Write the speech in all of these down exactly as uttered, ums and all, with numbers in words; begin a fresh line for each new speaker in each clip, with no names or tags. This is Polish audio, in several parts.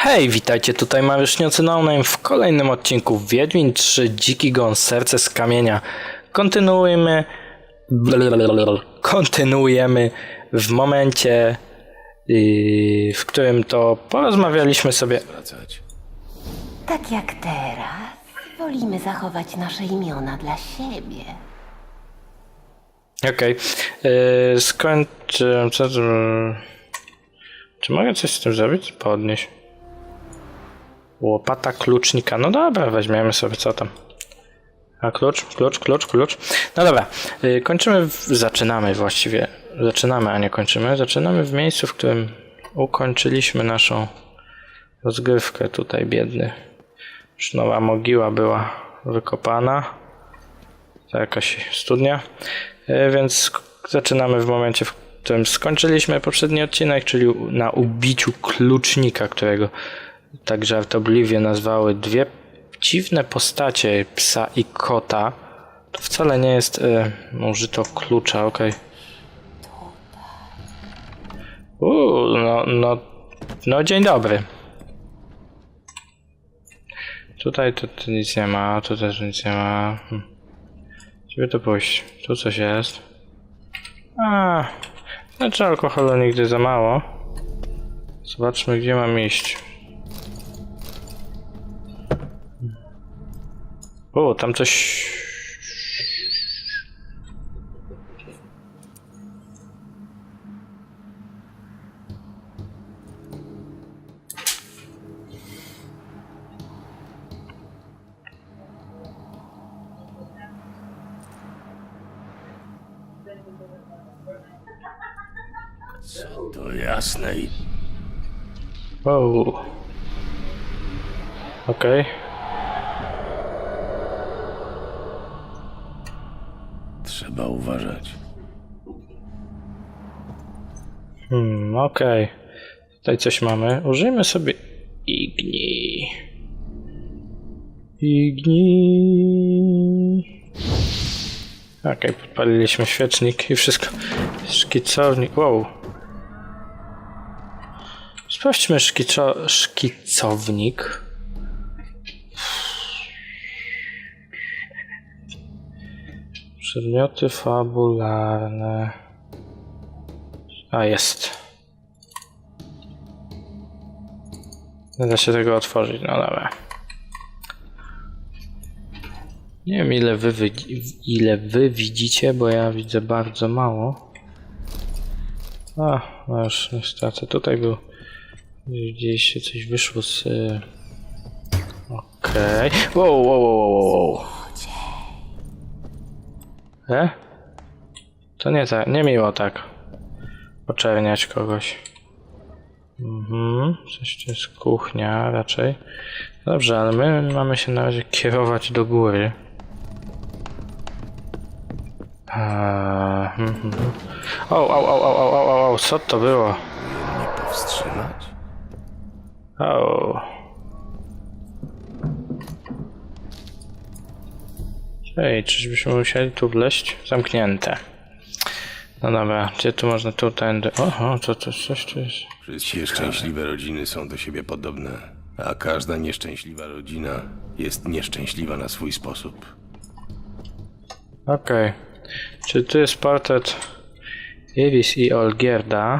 Hej, witajcie, tutaj Mariuszniacy No Name w kolejnym odcinku Wiedźmin trzy Dziki Gon Serce z Kamienia. Kontynuujemy... Blablabla. Kontynuujemy w momencie, yy, w którym to porozmawialiśmy sobie...
Tak jak teraz, wolimy zachować nasze imiona dla siebie.
Okej, okay. yy, skończyłem... Co to... Czy mogę coś z tym zrobić? Podnieść. Łopata klucznika. No dobra, weźmiemy sobie co tam. A klucz, klucz, klucz, klucz. No dobra, yy, kończymy, w... zaczynamy właściwie. Zaczynamy, a nie kończymy. Zaczynamy w miejscu, w którym ukończyliśmy naszą rozgrywkę. Tutaj biedny. Już nowa mogiła była wykopana. To jakaś studnia. Yy, więc zaczynamy w momencie, w którym skończyliśmy poprzedni odcinek, czyli na ubiciu klucznika, którego tak żartobliwie nazwały dwie dziwne postacie, psa i kota. To wcale nie jest y, użyto klucza, okej. Okay. Uuu, no, no, no dzień dobry. Tutaj to, to nic nie ma, tu też nic nie ma. Hm. Gdzie to pójść? Tu coś jest. A, znaczy alkoholu nigdy za mało. Zobaczmy, gdzie mam iść. O, tam coś...
Co to jasne i...
Wow. Okej. Okay.
Trzeba uważać.
Hmm, okej. Okay. Tutaj coś mamy. Użyjmy sobie Igni. Igni. Okej, okay, podpaliliśmy świecznik i wszystko. Szkicownik. Wow. Sprawdźmy szkico... szkicownik. Przedmioty fabularne. A, jest. Nie da się tego otworzyć, no dobra. Nie wiem ile wy, wy, ile wy widzicie, bo ja widzę bardzo mało. A, no już niestety, tutaj był... Gdzieś coś wyszło z... Okej. Okay. Wow, wow, wow, wow, wow. E? To nie tak, nie miło tak oczerniać kogoś. Mhm, coś to jest kuchnia raczej. Dobrze, ale my mamy się na razie kierować do góry. Eee, hmm, hmm. O, o, o, o, o, o, o, co to było?
Nie powstrzymać?
O. Ej, czyżbyśmy musieli tu wleźć? Zamknięte. No dobra, gdzie tu można tu tędy? Oho, co to coś tu jest?
Wszystkie szczęśliwe rodziny są do siebie podobne, a każda nieszczęśliwa rodzina jest nieszczęśliwa na swój sposób.
Okej. Okay. Czy tu jest portret Iris i Olgierda?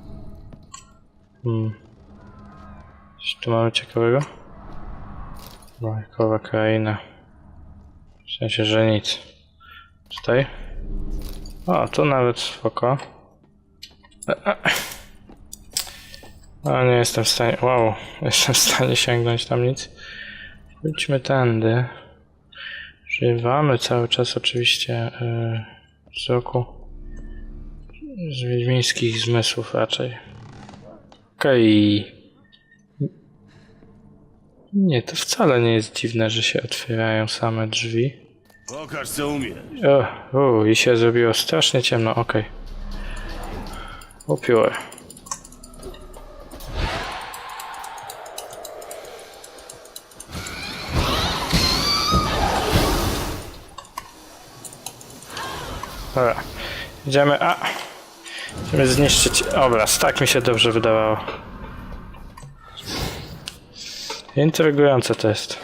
Hmm. Coś tu mamy ciekawego? Bajkowa kraina. W sensie, że nic. Tutaj? O, tu nawet spoko. O, nie jestem w stanie... Wow, nie jestem w stanie sięgnąć tam nic. Pójdźmy tędy. Używamy cały czas oczywiście yy, wzroku z wiedźmińskich zmysłów raczej. Okej. Okay. Nie, to wcale nie jest dziwne, że się otwierają same drzwi.
Pokaż co umiesz.
O, o, i się zrobiło strasznie ciemno, okej. Okay. Upiór. Dobra, idziemy, a... Idziemy zniszczyć obraz, tak mi się dobrze wydawało. Intrygujące to jest.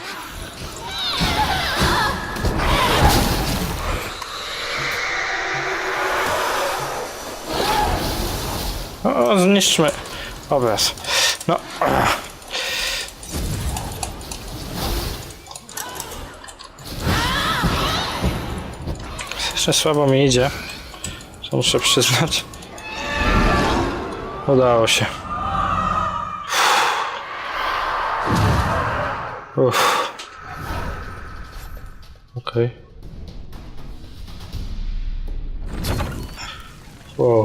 O, zniszczmy obraz. No. Jeszcze słabo mi idzie. To muszę przyznać. Udało się. Uff. Okej. Okay. Wow.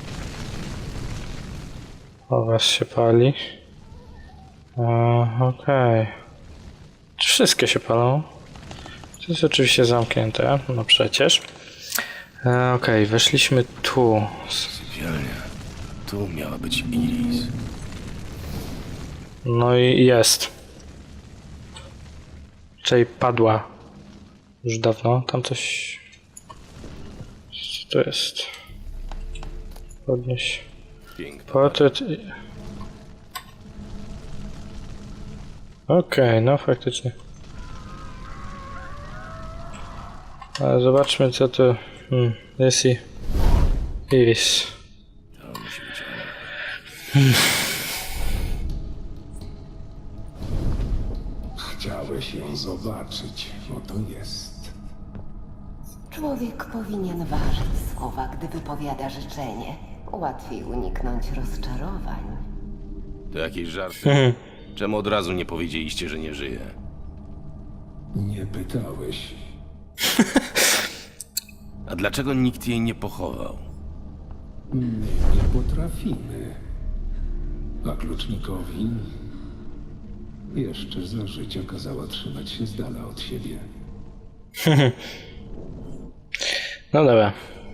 Obraz się pali. Okej. Okay. Czy wszystkie się palą? To jest oczywiście zamknięte, no przecież. E, Okej, okay, weszliśmy tu.
Sypialnia. Tu miała być Iris.
No i jest. Czyli padła. Już dawno. Tam coś... Co to jest? Podnieś.
Piękna.
Portret... Okej, okay, no faktycznie. Ale zobaczmy co to... Hmm, jest i... Iris.
To musi być ona.
Hmm.
Chciałeś ją zobaczyć, oto jest.
Człowiek powinien ważyć słowa, gdy wypowiada życzenie. Łatwiej uniknąć rozczarowań.
To jakieś żarty? Czemu od razu nie powiedzieliście, że nie żyje?
Nie pytałeś.
A dlaczego nikt jej nie pochował?
My nie potrafimy. A klucznikowi jeszcze za życia kazała trzymać się z dala od siebie.
No dobra.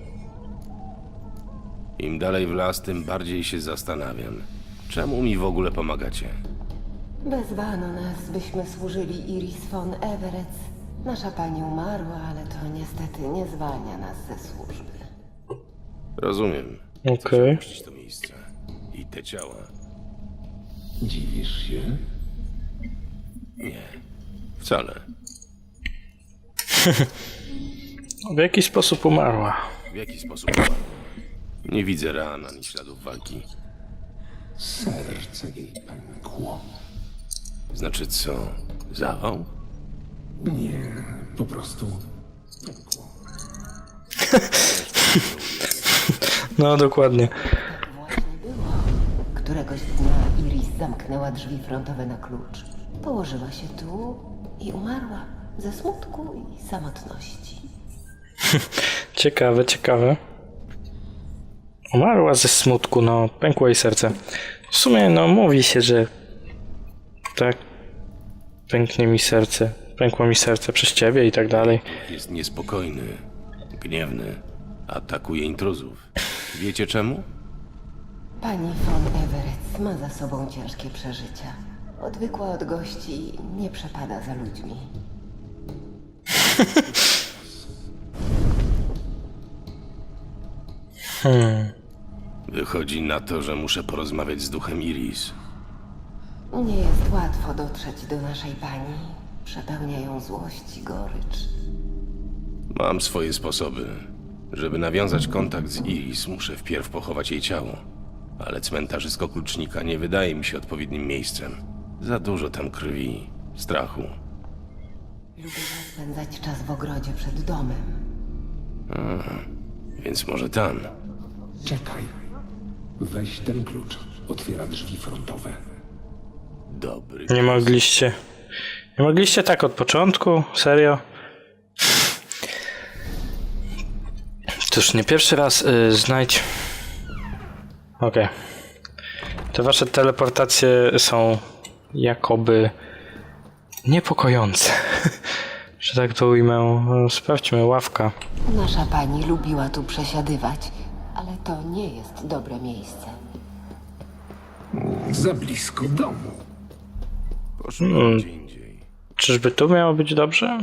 Im dalej w las, tym bardziej się zastanawiam. Czemu mi w ogóle pomagacie?
Wezwano nas, byśmy służyli Iris von Everett. Nasza pani umarła, ale to niestety nie zwalnia nas ze służby.
Rozumiem.
Okej.
Chcecie opuścić to miejsce. I te ciała.
Dziwisz się?
Nie. Wcale.
W jaki sposób umarła?
W jaki sposób umarła? Nie widzę ran ani śladów walki.
Serce jej pękło.
Znaczy co? Zawał?
Nie, po prostu pękło.
No dokładnie.
Tak właśnie było. Któregoś dnia Iris zamknęła drzwi frontowe na klucz. Położyła się tu i umarła ze smutku i samotności.
Ciekawe, ciekawe. Umarła ze smutku, no pękło jej serce. W sumie no mówi się, że tak pęknie mi serce, pękło mi serce przez ciebie i tak dalej.
Jest niespokojny, gniewny, atakuje intruzów. Wiecie czemu?
Pani von Everett ma za sobą ciężkie przeżycia. Odwykła od gości i nie przepada za ludźmi.
Hmm.
Wychodzi na to, że muszę porozmawiać z duchem Iris.
Nie jest łatwo dotrzeć do naszej pani. Przepełnia ją złość i gorycz.
Mam swoje sposoby. Żeby nawiązać kontakt z Iris, muszę wpierw pochować jej ciało. Ale cmentarzysko klucznika nie wydaje mi się odpowiednim miejscem. Za dużo tam krwi, strachu.
Lubiła spędzać czas w ogrodzie przed domem.
Więc może tam.
Czekaj. Weź ten klucz. Otwiera drzwi frontowe.
Dobry.
Nie mogliście. Nie mogliście tak od początku? Serio? Cóż, nie pierwszy raz y, znajdź. Okej. Okay. Te wasze teleportacje są jakoby niepokojące. Że tak to ujmę. Sprawdźmy, ławka.
Nasza pani lubiła tu przesiadywać, ale to nie jest dobre miejsce.
Za blisko domu.
Poszukam
Hmm.
gdzie indziej.
Czyżby tu miało być dobrze?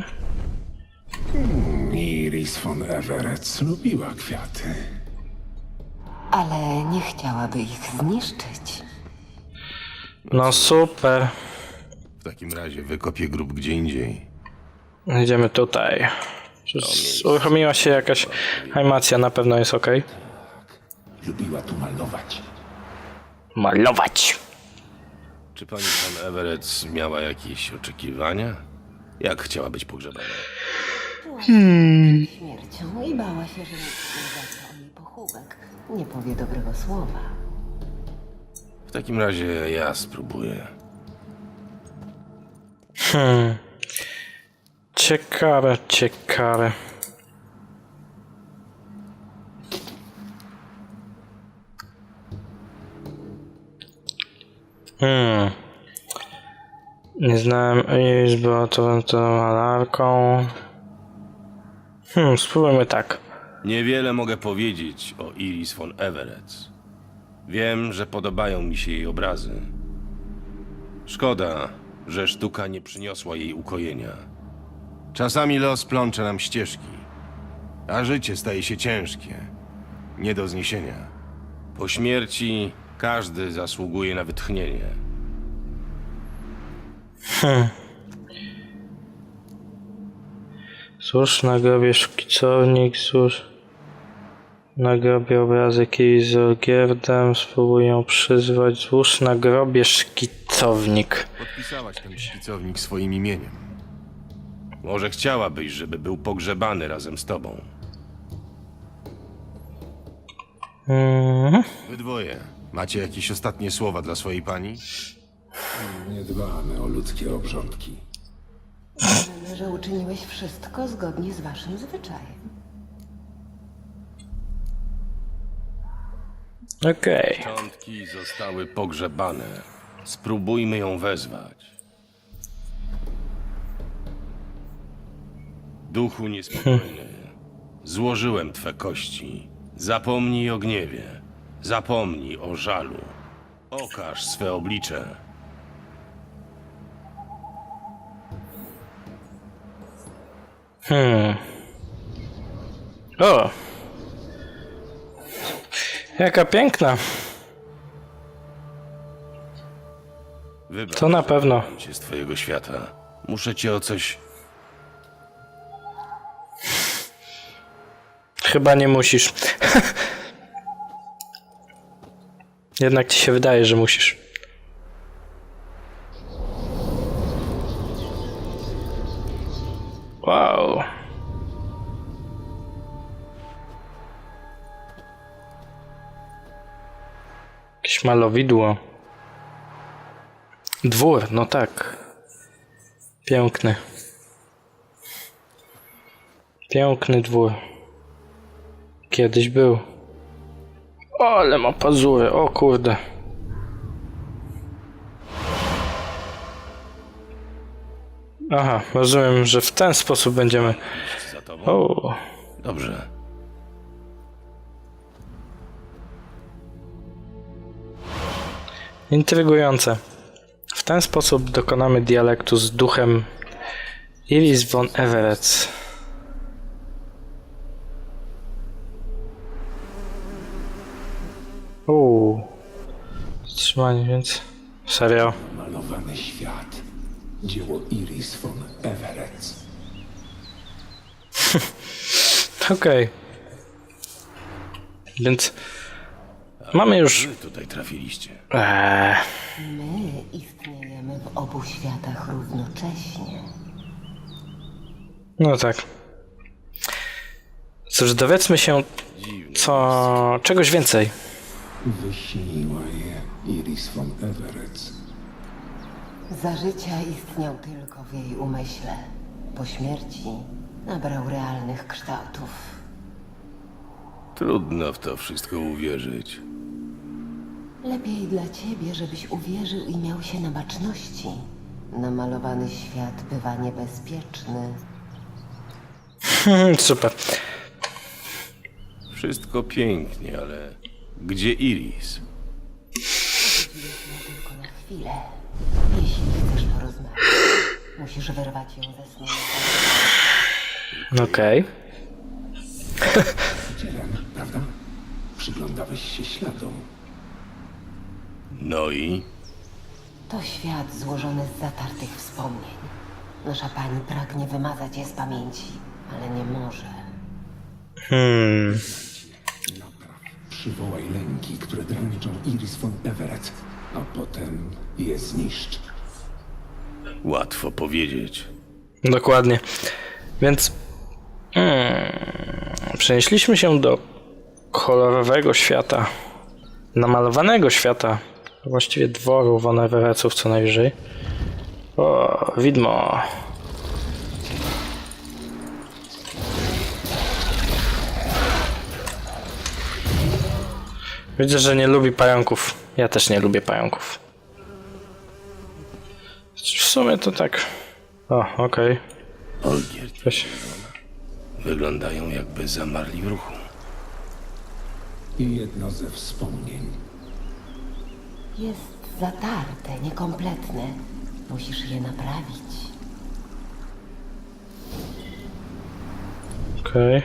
Iris von Everett lubiła kwiaty.
Ale nie chciałaby ich zniszczyć.
No super.
W takim razie wykopię grób gdzie indziej.
Idziemy tutaj. Czy z- uruchomiła się jakaś animacja, na pewno jest ok.
Lubiła tu malować.
Malować.
Czy pani pan Everett miała jakieś oczekiwania? Jak chciała być pogrzebana?
Śmiercią i bała się, że nikt nie zapyta o jej pochówek. Nie powie dobrego słowa.
W takim razie ja spróbuję.
Hmm. Ciekawe, ciekawe. Hmm. Nie znałem Iris, była to, to malarką. Hmm, spróbujmy tak.
Niewiele mogę powiedzieć o Iris von Everett. Wiem, że podobają mi się jej obrazy. Szkoda, że sztuka nie przyniosła jej ukojenia. Czasami los plącze nam ścieżki, a życie staje się ciężkie, nie do zniesienia. Po śmierci każdy zasługuje na wytchnienie.
Cóż, na grobie szkicownik, cóż. Na grobie obrazek jej z Olgierdem, spróbuję ją przyzwać. Złóż na grobie szkicownik.
Podpisałaś ten szkicownik swoim imieniem. Może chciałabyś, żeby był pogrzebany razem z tobą.
Mhm.
Wy dwoje, macie jakieś ostatnie słowa dla swojej pani?
Nie dbamy o ludzkie obrządki.
Wiemy, że uczyniłeś wszystko zgodnie z waszym zwyczajem.
Okej.
Szczątki zostały pogrzebane. Spróbujmy ją wezwać. Duchu niespokojny, złożyłem twe kości. Zapomnij o gniewie. Zapomnij o żalu. Okaż swe oblicze.
Hmm. O! Jaka piękna.
Wybacz,
To na
że
pewno.
wyrwałem cię z twojego świata. Muszę cię o coś...
Chyba nie musisz. Jednak ci się wydaje, że musisz. Wow. Jakieś malowidło. Dwór, no tak. Piękny. Piękny dwór. Kiedyś był. O, ale ma pazury, o kurde. Aha, rozumiem, że w ten sposób będziemy...
iść za tobą?
O,
Dobrze.
intrygujące. W ten sposób dokonamy dialektu z duchem Iris von Everett. Uuu. Wstrzymanie, więc... Serio?
Malowany świat. Dzieło Iris von Everett.
Okej. Więc... Mamy już...
Wy tutaj trafiliście.
Eee,
My istniejemy w obu światach równocześnie.
no tak. Cóż, dowiedzmy się
Dziwne.
co... czegoś więcej.
Wyśniła je Iris von Everett.
Za życia istniał tylko w jej umyśle. Po śmierci nabrał realnych kształtów.
Trudno w to wszystko uwierzyć.
Lepiej dla ciebie, żebyś uwierzył i miał się na baczności. Namalowany świat bywa niebezpieczny.
Super.
Wszystko pięknie, ale gdzie Iris?
Widzieliśmy tylko na chwilę. Jeśli chcesz porozmawiać, musisz wyrwać ją ze snu.
Okej.
Widziałem, prawda? Przyglądałeś się śladom.
No i?
To świat złożony z zatartych wspomnień. Nasza pani pragnie wymazać je z pamięci, ale nie może.
Hmm.
Przywołaj lęki, które dręczą Iris von Everett, a potem je zniszcz.
Łatwo powiedzieć.
Dokładnie. Więc hmm, przenieśliśmy się do kolorowego świata, namalowanego świata, właściwie dworu von Everettów co najwyżej. O, widmo. Widzę, że nie lubi pająków. Ja też nie lubię pająków. W sumie to tak. O, okej.
Olgierd,
Weź.
wyglądają jakby zamarli w ruchu.
I jedno ze wspomnień.
Jest zatarte, niekompletne. Musisz je naprawić.
Okej.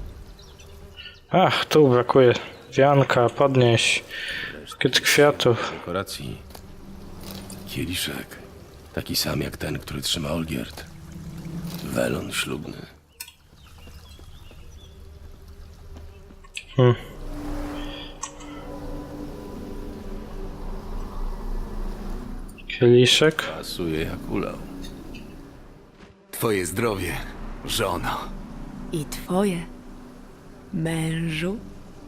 Ach, tu brakuje wianka, podnieś. Bukiet kwiatów.
Dekoracji. Kieliszek. Taki sam jak ten, który trzyma Olgierd. Welon ślubny.
Hmm. Kieliszek.
Pasuje jak ulał.
Twoje zdrowie, żono.
I twoje, mężu?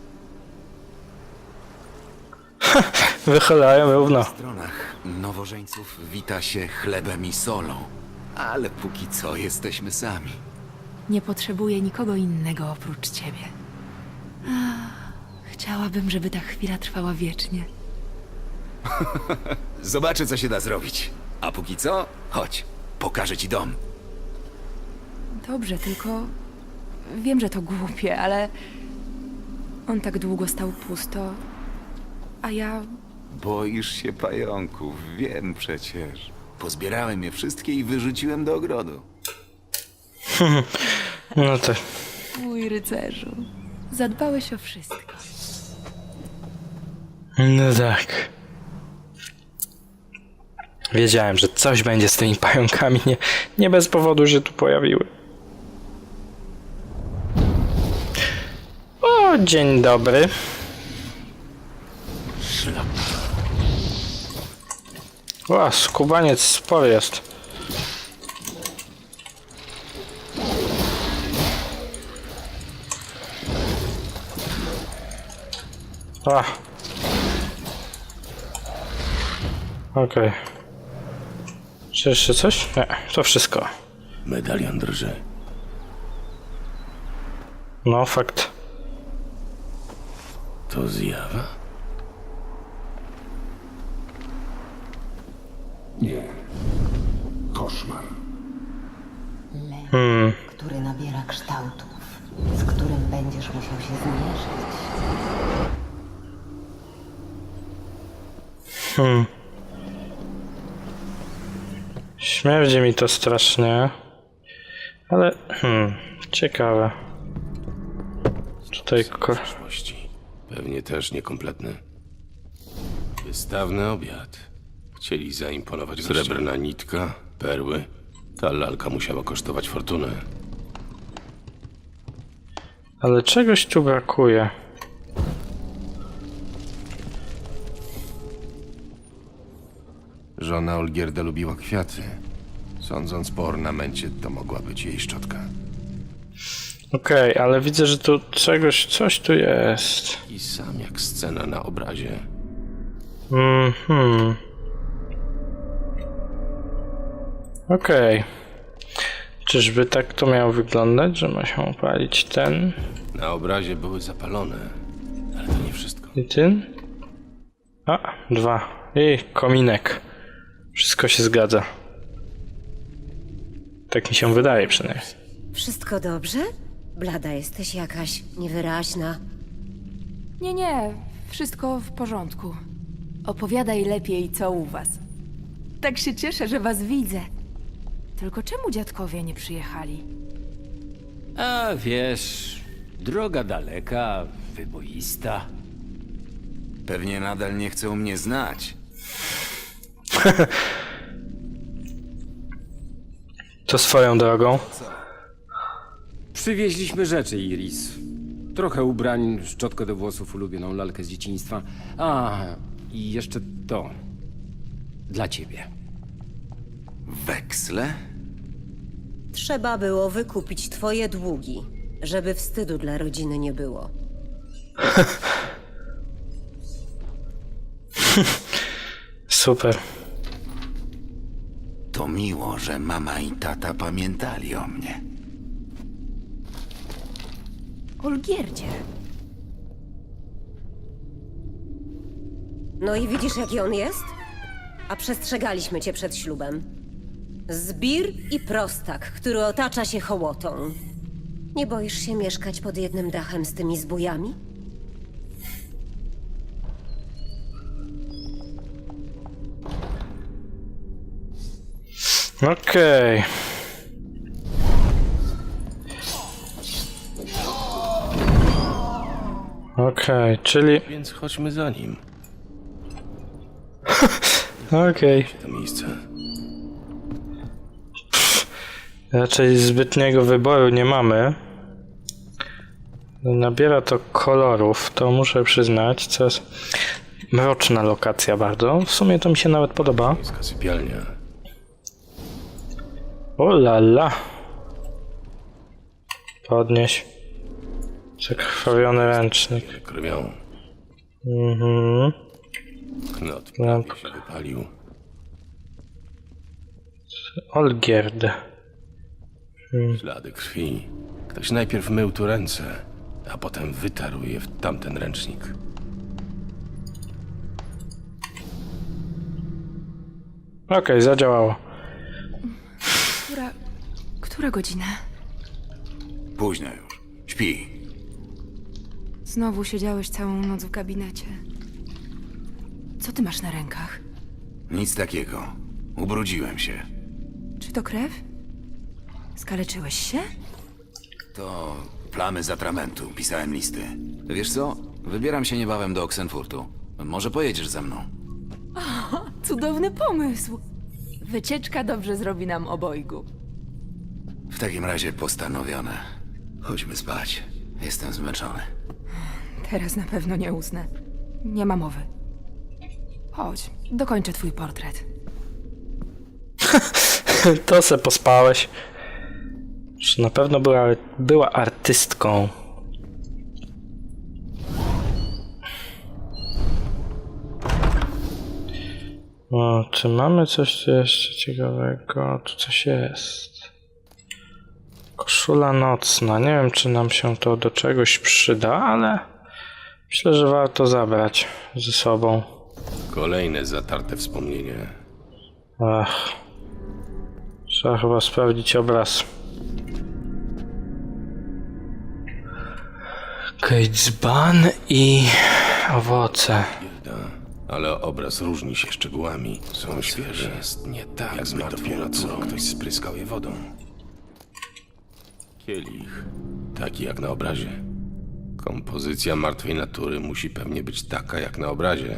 Wychylają równo.
W stronach nowożeńców wita się chlebem i solą. Ale póki co jesteśmy sami.
Nie potrzebuję nikogo innego oprócz ciebie. Ach, chciałabym, żeby ta chwila trwała wiecznie.
Zobaczę, co się da zrobić. A póki co, chodź, pokażę ci dom.
Dobrze, tylko wiem, że to głupie, ale on tak długo stał pusto, a ja
Boisz się pająków, wiem przecież. Pozbierałem je wszystkie i wyrzuciłem do ogrodu.
No to.
mój rycerzu, zadbałeś o wszystko.
No tak. Wiedziałem, że coś będzie z tymi pająkami. Nie, nie bez powodu się tu pojawiły. O, dzień dobry. O, skubaniec spory jest. A. Okej. Czy jeszcze coś? Nie, to wszystko.
Medalion drży.
No, fakt.
To zjawa?
Nie. Koszmar.
Lęk,
Hmm.
który nabiera kształtów, z którym będziesz musiał się zmierzyć.
Hmm. Śmierdzi mi to strasznie. Ale, hmm, ciekawe. Tutaj ko-
Przeszłości. Pewnie też niekompletny. Wystawny obiad. Chcieli zaimponować gościom. Srebrna nitka, perły. Ta lalka musiała kosztować fortunę.
Ale czegoś tu brakuje.
Żona Olgierda lubiła kwiaty. Sądząc po ornamencie, to mogła być jej szczotka.
Okej, ale widzę, że tu czegoś, coś tu jest.
I sam jak scena na obrazie.
Mhm. Okej. Czyżby tak to miało wyglądać, że ma się opalić ten
Na obrazie były zapalone, ale to nie wszystko.
i ten? A, dwa. I kominek. Wszystko się zgadza. Tak mi się wydaje przynajmniej.
Wszystko dobrze? Blada jesteś jakaś niewyraźna.
Nie, nie, wszystko w porządku. Opowiadaj lepiej, co u was. Tak się cieszę, że was widzę. Tylko czemu dziadkowie nie przyjechali?
A wiesz, droga daleka, wyboista.
Pewnie nadal nie chcą mnie znać.
To swoją drogą.
Przywieźliśmy rzeczy, Iris. Trochę ubrań, szczotkę do włosów, ulubioną lalkę z dzieciństwa. A, i jeszcze to. Dla ciebie.
Weksle?
Trzeba było wykupić twoje długi, żeby wstydu dla rodziny nie było.
Super.
To miło, że mama i tata pamiętali o mnie.
Olgierdzie.
No i widzisz, jaki on jest? A przestrzegaliśmy cię przed ślubem. Zbir i prostak, który otacza się hołotą. Nie boisz się mieszkać pod jednym dachem z tymi zbójami?
Okej. Okej, czyli...
Więc chodźmy za nim.
Okej.
To miejsce.
Raczej zbytniego wyboru nie mamy. Nabiera to kolorów, to muszę przyznać, co jest mroczna lokacja bardzo. W sumie to mi się nawet podoba.
Miejska sypialnia.
O la la. Podnieś. Zakrwawiony ręcznik.
Krwią.
Mhm.
Knot
Lampka.
prawie się wypalił.
Olgierd.
Ślady krwi. Ktoś najpierw mył tu ręce, a potem wytarł je w tamten ręcznik.
Okej, zadziałało.
Która... Która godzina?
Późno już. Śpi.
Znowu siedziałeś całą noc w gabinecie. Co ty masz na rękach?
Nic takiego. Ubrudziłem się.
Czy to krew? Skaleczyłeś się?
To plamy z atramentu. Pisałem listy. Wiesz co? Wybieram się niebawem do Oxenfurtu. Może pojedziesz ze mną?
Cudowny pomysł! Wycieczka dobrze zrobi nam obojgu.
W takim razie postanowione. Chodźmy spać. Jestem zmęczony.
Teraz na pewno nie usnę. Nie ma mowy. Chodź, dokończę twój portret.
To se pospałeś. Że na pewno była, była artystką. O, czy mamy coś tu jeszcze ciekawego? Tu coś jest. Koszula nocna. Nie wiem, czy nam się to do czegoś przyda, ale myślę, że warto zabrać ze sobą.
Kolejne zatarte wspomnienie.
Ach. Trzeba chyba sprawdzić obraz. Kejdzban i owoce.
Bieda, ale obraz różni się szczegółami. Są świeże. Jest nie tak, jak z martwą naturą. Ktoś spryskał je wodą. Kielich, taki jak na obrazie. Kompozycja martwej natury musi pewnie być taka jak na obrazie.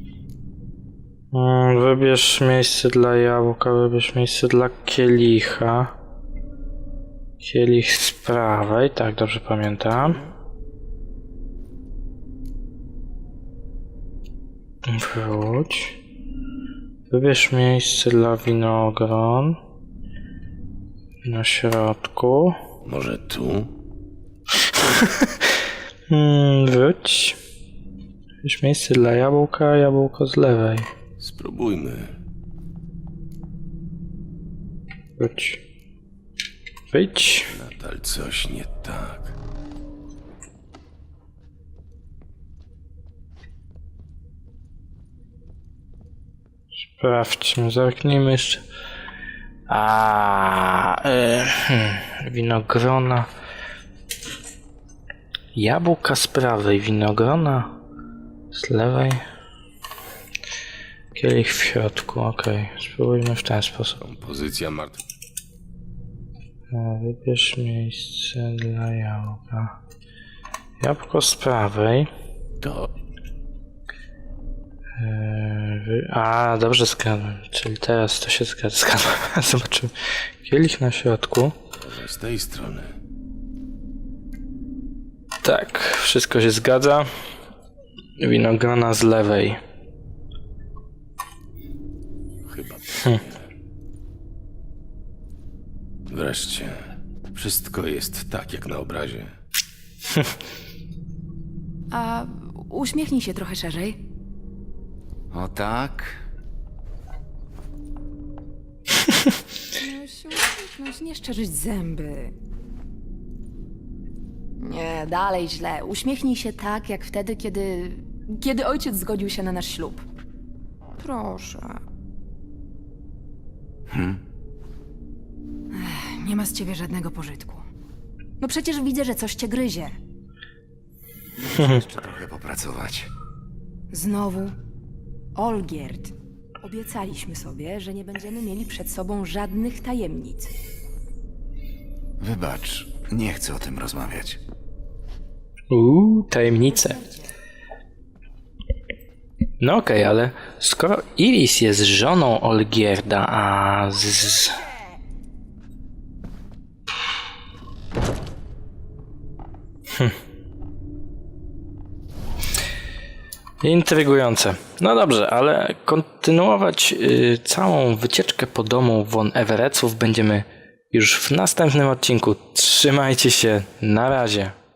Mm, Wybierz miejsce dla jabłka, wybierz miejsce dla kielicha. Kielich z prawej, tak dobrze pamiętam. Wróć. Wybierz miejsce dla winogron. Na środku.
Może tu?
Hmm, wróć. Wybierz miejsce dla jabłka, jabłko z lewej.
Spróbujmy.
Wróć. Wyjdź.
Nadal coś nie tak.
Sprawdźmy, zerknijmy jeszcze. A, e, hmm, winogrona. Jabłka z prawej, winogrona z lewej. Kielich w środku, okej. Spróbujmy w ten sposób.
Kompozycja martwej.
E, Wybierz miejsce dla jabłka. Jabłko z prawej.
To
Yy, wy- A, dobrze zgadłem. Czyli teraz to się zgadza. Zgadłem. Zobaczymy. Kielich na środku.
Może z tej strony.
Tak, wszystko się zgadza. Winogrona z lewej.
Chyba. Wreszcie. Wszystko jest tak, jak na obrazie.
A uśmiechnij się trochę szerzej.
O tak?
No się uśmiechnąć, nie szczerzyć zęby. Nie, dalej źle. Uśmiechnij się tak, jak wtedy, kiedy... Kiedy ojciec zgodził się na nasz ślub. Proszę. Ech, nie ma z ciebie żadnego pożytku. No przecież widzę, że coś cię gryzie.
Jeszcze trochę popracować.
Znowu. Olgierd. Obiecaliśmy sobie, że nie będziemy mieli przed sobą żadnych tajemnic.
Wybacz, nie chcę o tym rozmawiać.
Uuu, tajemnice. No okej, ale skoro Iris jest żoną Olgierda, a z... Hm. Intrygujące. No dobrze, ale kontynuować y, całą wycieczkę po domu von Everettów będziemy już w następnym odcinku. Trzymajcie się, na razie.